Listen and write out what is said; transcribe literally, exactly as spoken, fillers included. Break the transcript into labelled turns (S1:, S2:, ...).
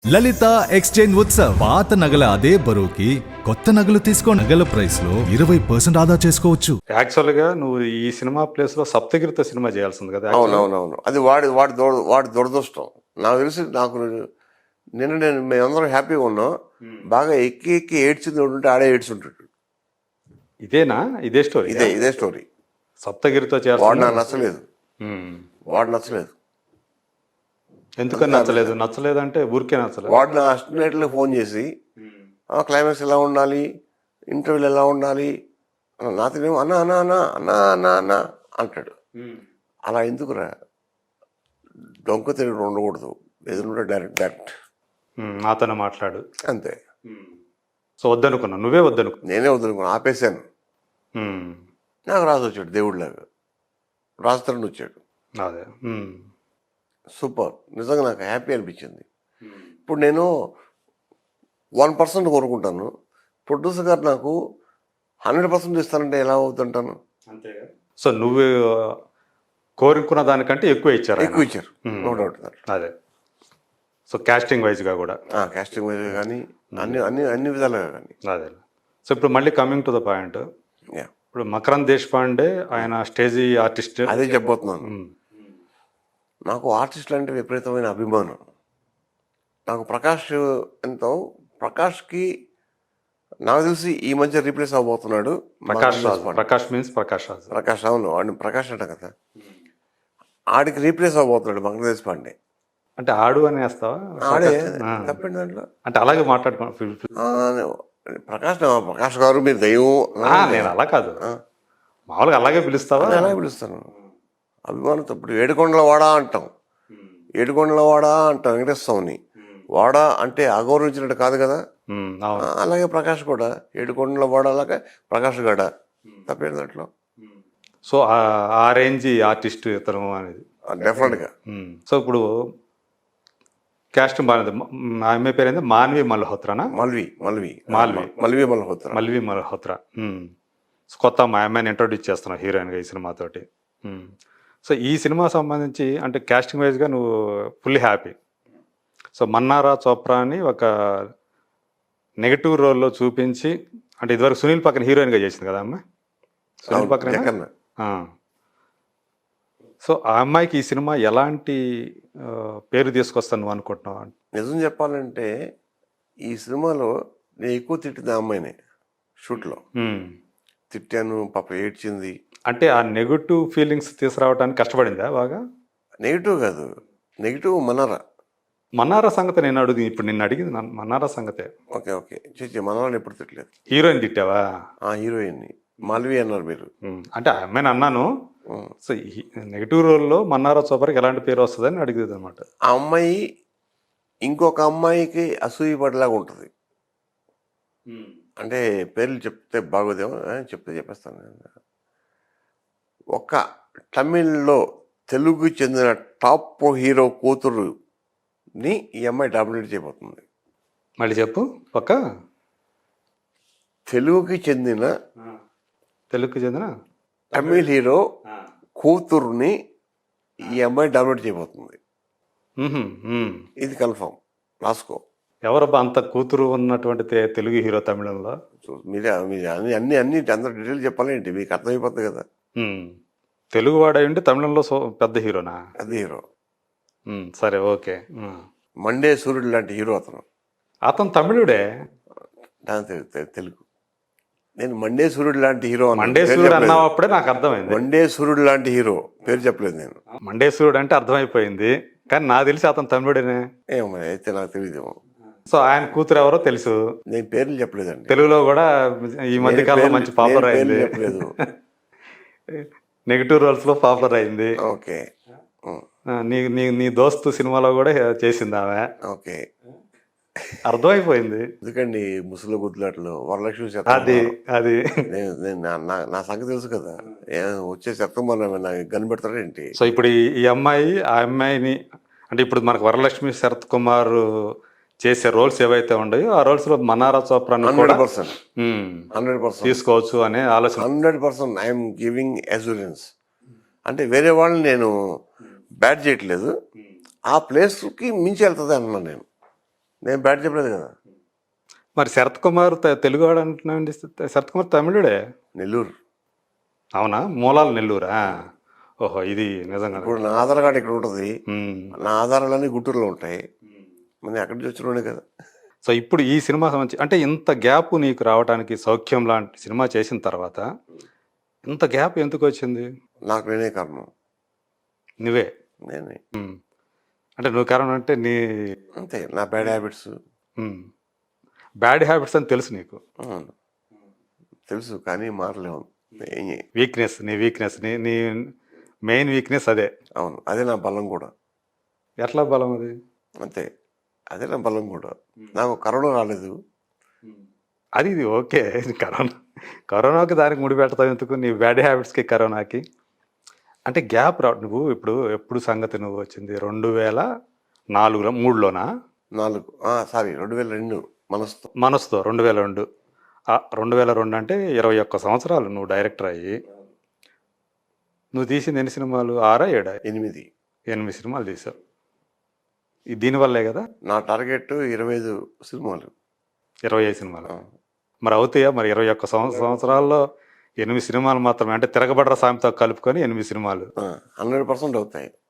S1: లలిత exchange Utsav పాత నగల అదే బరువుకి కొత్త నగలు తీసుకో నగల ప్రైస్ లో ఇరవై పర్సెంట్ ఆదా చేసుకోవచ్చు.
S2: యాక్చువల్ గా నువ్వు ఈ సినిమా ప్లేస్ లో సప్తగిరితో సినిమా చేయాల్సింది కదా.
S3: అవునవునవును అది వాడి వాడి దొర వాడి దురదృష్టం. నాకు తెలిసి నాకు నిన్న నేను మేమందరం హ్యాపీగా ఉన్నాం. బాగా ఎక్కి ఎక్కి ఏడ్చింది ఉంటే ఆడే ఏడ్చుంటాడు.
S2: ఇదేనా ఇదే స్టోరీ?
S3: ఇదే ఇదే స్టోరీ.
S2: సప్తగిరితో
S3: వాడు
S2: చేయాల్సింది.
S3: నాకు నచ్చలేదు. వాడు నచ్చలేదు.
S2: ఎందుకని నచ్చలేదు? నచ్చలేదు అంటే ఊరికే నచ్చలేదు.
S3: వాడు నా అసిస్టెంట్లకు ఫోన్ చేసి క్లైమాక్స్ ఎలా ఉండాలి, ఇంటర్వ్యూలు ఎలా ఉండాలి నాతోనేమో అన్నా అన్నా అన్నా అన్నా అన్నా అన్నా అంటాడు. అలా ఎందుకురా, డొంక తిరిగి ఉండకూడదు, ఎదురుంటే డైరెక్ట్ డైరెక్ట్
S2: నాతోనే మాట్లాడు
S3: అంతే.
S2: సో వద్దనుకున్నా, నువ్వే వద్దనుకు.
S3: నేనే వద్దనుకున్నా, ఆపేశాను. నాకు రాజు వచ్చాడు, దేవుడిలాగా రాజుతరుణ్ వచ్చాడు.
S2: అదే
S3: సూపర్, నిజంగా నాకు హ్యాపీ అనిపించింది. ఇప్పుడు నేను వన్ పర్సెంట్ కోరుకుంటాను, ప్రొడ్యూసర్ గారు నాకు హండ్రెడ్ పర్సెంట్ ఇస్తానంటే ఎలా అవుతుంటాను?
S2: సో నువ్వు కోరుకున్న దానికంటే ఎక్కువ ఇచ్చారు.
S3: ఎక్కువ ఇచ్చారు, నో డౌట్.
S2: అదే. సో కాస్టింగ్ వైజ్గా కూడా,
S3: కాస్టింగ్ వైజ్గా కానీ అన్ని అన్ని అన్ని విధాలుగా కానీ.
S2: అదే. సో ఇప్పుడు మళ్ళీ కమింగ్ టు ద పాయింట్, ఇప్పుడు మకరంద్ దేశపాండే ఆయన స్టేజీ ఆర్టిస్ట్.
S3: అదే చెప్పబోతున్నాను. నాకు ఆర్టిస్టులు అంటే విపరీతమైన అభిమానం. నాకు ప్రకాష్ ఎంతో, ప్రకాష్కి నాకు తెలిసి ఈ మధ్య రీప్లేస్ అవ్వబోతున్నాడు.
S2: ప్రకాష్ రాజ్. ప్రకాష్ మీన్స్ ప్రకాష్ రాజ్.
S3: ప్రకాష్, అవును, వాడిని ప్రకాష్ అంట కదా. ఆడికి రీప్లేస్ అవ్వబోతున్నాడు మకరంద్ దేశపాండే.
S2: అంటే ఆడు అని వేస్తావా?
S3: ఆడే తప్పండి దాంట్లో.
S2: అంటే అలాగే మాట్లాడుకో.
S3: ప్రకాష్ ప్రకాష్ గారు మీరు దైవం.
S2: నేను అలా కాదు, మామూలుగా అలాగే పిలుస్తావా?
S3: అలాగే పిలుస్తాను అభిమానంతో. ఇప్పుడు ఏడుకొండల వాడా అంటాం, ఏడుకొండల వాడా అంటాం వెంకటేశ్వరని. వాడా అంటే అగౌరవించినట్టు కాదు కదా. అలాగే ప్రకాష్ కూడా ఏడుకొండల వాడా, అలాగే ప్రకాష్ గడ తప్పేది దాంట్లో.
S2: సో ఆ రేంజ్ ఆర్టిస్ట్ ఇతను అనేది
S3: డెఫినెట్గా.
S2: సో ఇప్పుడు క్యాస్ట్ బాగుంది. ఆ అమ్మాయి పేరు ఏంది? మాన్వి మల్హోత్రానా?
S3: మల్వి మల్వి
S2: మాల్వి
S3: మల్వి మల్హోత్రా
S2: మల్వి మల్హోత్రా. కొత్త మా అమ్మాయిని ఇంట్రొడ్యూస్ చేస్తున్నావు హీరోయిన్గా ఈ సినిమాతోటి. సో ఈ సినిమా సంబంధించి అంటే కాస్టింగ్ వైజ్గా నువ్వు full happy. So Mannara Chopra అని ఒక నెగటివ్ రోల్లో చూపించి, అంటే ఇదివరకు సునీల్ పక్కన హీరోయిన్గా చేసింది కదా అమ్మాయి. సునీల్ పక్కన. సో ఆ అమ్మాయికి ఈ సినిమా ఎలాంటి పేరు తీసుకొస్తాను నువ్వు అనుకుంటున్నావు?
S3: నిజం చెప్పాలంటే ఈ సినిమాలో నేను ఎక్కువ తిట్టింది ఆ అమ్మాయినే. షూట్లో తిట్టాను, పాప ఏడ్చింది.
S2: అంటే ఆ నెగిటివ్ ఫీలింగ్స్ తీసుకురావడానికి కష్టపడిందా బాగా?
S3: నెగిటివ్ కాదు, నెగిటివ్ మన్నారా.
S2: మన్నారా సంగతి నేను అడుగు ఇప్పుడు నిన్ను అడిగింది మన్నారా సంగతే.
S3: ఓకే ఓకే చేసి మన్నారాని ఎప్పుడు తిట్టలేదు.
S2: హీరోయిన్ తిట్టావా?
S3: ఆ హీరోయిన్ని మాల్వి అన్నారు మీరు.
S2: అంటే ఆ అమ్మాయిని అన్నాను. సో నెగిటివ్ రోల్లో మన్నారా చోపర్కి ఎలాంటి పేరు వస్తుందని అడిగేది అనమాట.
S3: ఆ అమ్మాయి ఇంకొక అమ్మాయికి అసూయపడేలాగా ఉంటుంది. అంటే పేర్లు చెప్తే బాగోదేమో, చెప్తే చెప్పేస్తాను. ఒక తమిళ్లో తెలుగుకి చెందిన టాప్ హీరో కూతురుని ఈ అమ్మాయి డామినేట్ చేయబోతుంది.
S2: మళ్ళీ చెప్పు. ఒక
S3: తెలుగుకి చెందిన
S2: తెలుగుకి చెందిన
S3: తమిళ్ హీరో కూతురుని ఈ అమ్మాయి డామినేట్ చేయబోతుంది. ఇది కన్ఫర్మ్, రాసుకో.
S2: ఎవరబ్బా అంత కూతురు ఉన్నటువంటి తెలుగు హీరో తమిళంలో?
S3: మీరే మీరు అన్ని అన్ని అన్ని అందరూ డీటెయిల్ చెప్పాలేంటి, మీకు అర్థమైపోతుంది కదా.
S2: తెలుగు వాడై ఉంటే తమిళంలో సో పెద్ద హీరోనా?
S3: పెద్ద హీరో.
S2: సరే, ఓకే.
S3: మండే సూర్యుడు లాంటి హీరో అతను.
S2: అతను తమిళుడే.
S3: తెలుగు. నేను మండే సూర్యుడు లాంటి హీరో.
S2: మండే సూర్యుడు అన్నప్పుడే నాకు అర్థమైంది.
S3: మండే సూర్యుడు లాంటి హీరో పేరు చెప్పలేదు నేను.
S2: మండే సూర్యుడు అంటే అర్థమైపోయింది, కానీ నాకు తెలిసి అతను తమిళుడేనే.
S3: ఏమో అయితే నాకు తెలియదేమో.
S2: సో ఆయన కూతురు ఎవరో తెలుసు,
S3: నేను పేర్లు చెప్పలేదండి.
S2: తెలుగులో కూడా ఈ మధ్య కాలంలో మంచి పాపులర్ అయింది. నెగిటివ్ రోల్స్ లో పాపులర్ అయింది.
S3: ఓకే.
S2: నీ నీ నీ దోస్తు సినిమాలో కూడా చేసింది ఆమె.
S3: ఓకే,
S2: అర్థమైపోయింది.
S3: ఎందుకండి ముసలి గుద్దులాట్లు వరలక్ష్మి
S2: అది అది
S3: నా సంగతి తెలుసు కదా. వచ్చే సెప్టెంబర్ నాకు కనిపెడతాడు ఏంటి?
S2: సో ఇప్పుడు ఈ అమ్మాయి ఆ అమ్మాయిని అంటే ఇప్పుడు మనకు వరలక్ష్మి శరత్ కుమార్ చేసే రోల్స్ ఏవైతే ఉన్నాయో ఆ రోల్స్ లో Mannara Chopra
S3: hundred percent hundred percent
S2: తీసుకోవచ్చు అనే ఆలోచన.
S3: Hundred percent I'm giving assurance. అంటే వేరే వాళ్ళని నేను బ్యాడ్ చేయట్లేదు, ఆ ప్లేస్కి మించి వెళ్తుంది అన్నాను నేను. నేను బ్యాట్ చెప్పలేదు కదా.
S2: మరి శరత్ కుమార్ త- తెలుగువాడు అంటున్నాండి. శరత్ కుమార్ తమిళుడే.
S3: నెల్లూరు.
S2: అవునా? మూలాలు నెల్లూరా? ఓహో, ఇది నిజంగా.
S3: ఇప్పుడు నా ఆధార్ కార్డు ఇక్కడ ఉంటుంది,
S2: ఉమ్.
S3: నా ఆధారాలన్నీ గుంటూరులో ఉంటాయి, మరి అక్కడి నుంచి వచ్చినోడే కదా.
S2: సో ఇప్పుడు ఈ సినిమా సంబంధించి అంటే ఇంత గ్యాప్ నీకు రావడానికి సౌఖ్యం లాంటి సినిమా చేసిన తర్వాత ఇంత గ్యాప్ ఎందుకు వచ్చింది?
S3: నాకు నేనే కారణం.
S2: నువ్వే.
S3: నేనే
S2: ఉమ్. అంటే నువ్వు కారణం అంటే నీ
S3: అంతే. నా బ్యాడ్ హ్యాబిట్స్
S2: బ్యాడ్ హ్యాబిట్స్ అని తెలుసు నీకు.
S3: తెలుసు, కానీ మారలేము. ఏం చేయ-
S2: వీక్నెస్, నీ వీక్నెస్, నీ నీ మెయిన్ వీక్నెస్ అదే.
S3: అవును, అదే నా బలం కూడా.
S2: ఎట్లా బలం అది?
S3: అంతే, అదే నా బలం కూడా. నాకు కరోనా రాలేదు.
S2: అది ఇది ఓకే. కరోనా కరోనాకి దానికి ముడి పెడతావు ఎందుకు? నీ బ్యాడ్ హ్యాబిట్స్కి కరోనాకి అంటే గ్యాప్ రా. నువ్వు ఇప్పుడు ఎప్పుడు సంగతి నువ్వు వచ్చింది రెండు వేల నాలుగులో మూడులోనా?
S3: నాలుగు సారీ రెండు వేల రెండు మనసుతో.
S2: మనసుతో రెండు వేల రెండు రెండు వేల రెండు అంటే ఇరవై ఒక్క సంవత్సరాలు నువ్వు డైరెక్టర్ అయ్యి. నువ్వు తీసింది ఎన్ని సినిమాలు? ఆరా ఏడా?
S3: ఎనిమిది
S2: ఎనిమిది సినిమాలు తీసావు. ఇది దీనివల్లే కదా.
S3: నా టార్గెట్ ఇరవై ఐదు సినిమాలు.
S2: ఇరవై ఐదు సినిమాలు
S3: ఆ.
S2: మరి అవుతాయా? మరి ఇరవై ఒక్క సంవ- సంవత్సరాల్లో ఎనిమిది సినిమాలు మాత్రమే అంటే తిరగబడ్ర సామెతో కలుపుకొని ఎనిమిది సినిమాలు.
S3: హండ్రెడ్ పర్సెంట్ అవుతాయి.